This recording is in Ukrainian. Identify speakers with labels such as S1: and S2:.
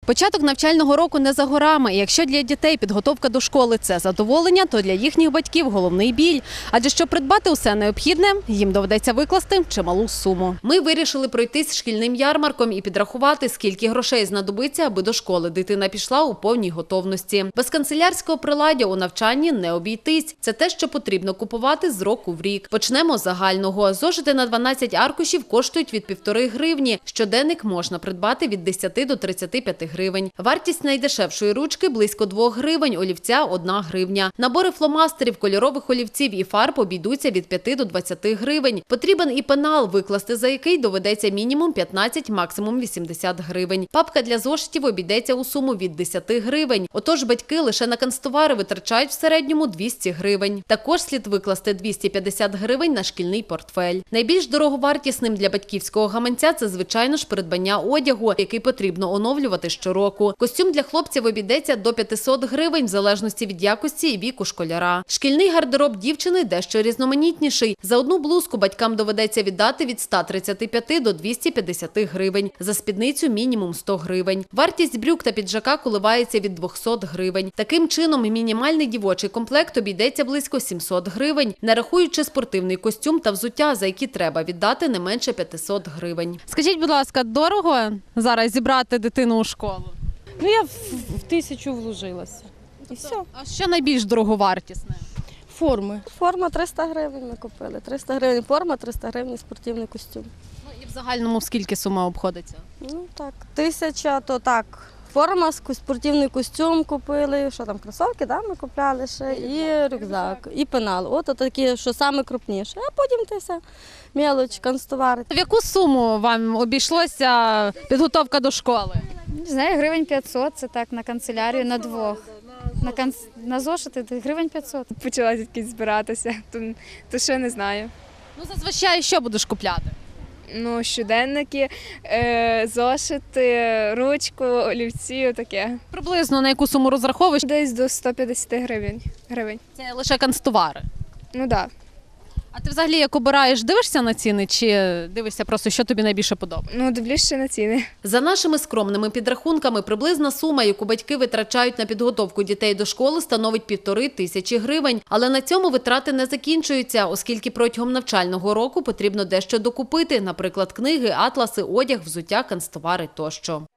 S1: Початок навчального року не за горами. І якщо для дітей підготовка до школи – це задоволення, то для їхніх батьків – головний біль. Адже щоб придбати усе необхідне, їм доведеться викласти чималу суму. Ми вирішили пройтись шкільним ярмарком і підрахувати, скільки грошей знадобиться, аби до школи дитина пішла у повній готовності. Без канцелярського приладдя у навчанні не обійтись. Це те, що потрібно купувати з року в рік. Почнемо з загального. Зошити на 12 аркушів коштують від 1,5 гривні. Щоденник можна придбати від 10 до 35 гривень. Вартість найдешевшої ручки – близько 2 гривень, олівця – 1 гривня. Набори фломастерів, кольорових олівців і фарб обійдуться від 5 до 20 гривень. Потрібен і пенал, викласти за який доведеться мінімум 15, максимум 80 гривень. Папка для зошитів обійдеться у суму від 10 гривень. Отож, батьки лише на канцтовари витрачають в середньому 200 гривень. Також слід викласти 250 гривень на шкільний портфель. Найбільш дороговартісним для батьківського гаманця – це, звичайно ж, придбання одягу, який потрібно оновлювати щороку. Костюм для хлопців обійдеться до 500 гривень, в залежності від якості і віку школяра. Шкільний гардероб дівчини дещо різноманітніший. За одну блузку батькам доведеться віддати від 135 до 250 гривень. За спідницю – мінімум 100 гривень. Вартість брюк та піджака коливається від 200 гривень. Таким чином, мінімальний дівочий комплект обійдеться близько 700 гривень, не рахуючи спортивний костюм та взуття, за які треба віддати не менше 500 гривень. Скажіть, будь ласка, дорого зараз зібрати дитину у школу?
S2: Ну, я в 1000 вложилася. І все.
S1: А що найбільш дороговартісне?
S2: Форми.
S3: Форма 300 гривень ми купили. 300 гривень форма, 300 гривень спортивний костюм.
S1: Ну, і в загальному в скільки сума обходиться?
S3: Ну так, 1000, то так. Форма, спортивний костюм купили, що там, кросовки, да, ми купляли ще, і рюкзак, і пенал. От такі, що саме крупніше. А потім те все, мелоч, канцтовари.
S1: В яку суму вам обійшлося підготовка до школи?
S4: Не знаю, гривень 500, це так, на канцелярію, на двох. На зошити гривень 500.
S5: Почала тільки збиратися, то ще не знаю.
S1: Ну, зазвичай що будеш купляти?
S5: Ну, щоденники, зошити, ручку, олівці, таке.
S1: Приблизно на яку суму розраховуєш?
S5: Десь до 150 гривень.
S1: Це лише канцтовари.
S5: Ну так. Да.
S1: А ти взагалі як обираєш, дивишся на ціни чи дивишся просто, що тобі найбільше подобається?
S5: Ну, дивлюсь ще на ціни.
S1: За нашими скромними підрахунками, приблизна сума, яку батьки витрачають на підготовку дітей до школи, становить 1500 гривень. Але на цьому витрати не закінчуються, оскільки протягом навчального року потрібно дещо докупити, наприклад, книги, атласи, одяг, взуття, канцтовари тощо.